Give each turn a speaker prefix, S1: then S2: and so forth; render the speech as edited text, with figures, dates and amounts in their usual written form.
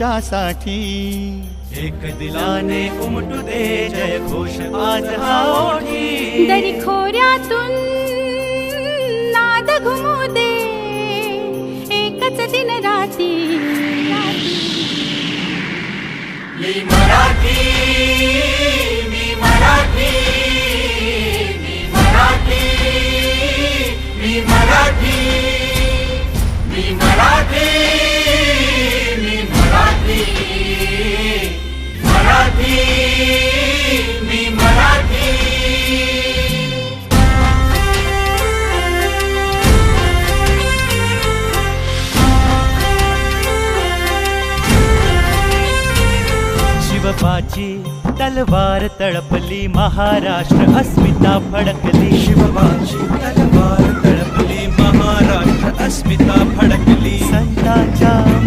S1: देशासाठी।
S2: एक दिलाने उमटू दे जय घोष आज हा ओठी।
S3: दरी खोऱ्यातून नाद घुमू दे एकच दिन राती।
S2: मी मराठी, मी मराठी, मी मराठी, मी मराठी, मी मराठी, मी मराठी, मराठी, मी मराठी। शिवबाची तलवार तळपली महाराष्ट्र अस्मिता फडकली। शिवबाची तलवार तळपली महाराष्ट्र अस्मिता फडकली। संतांच्या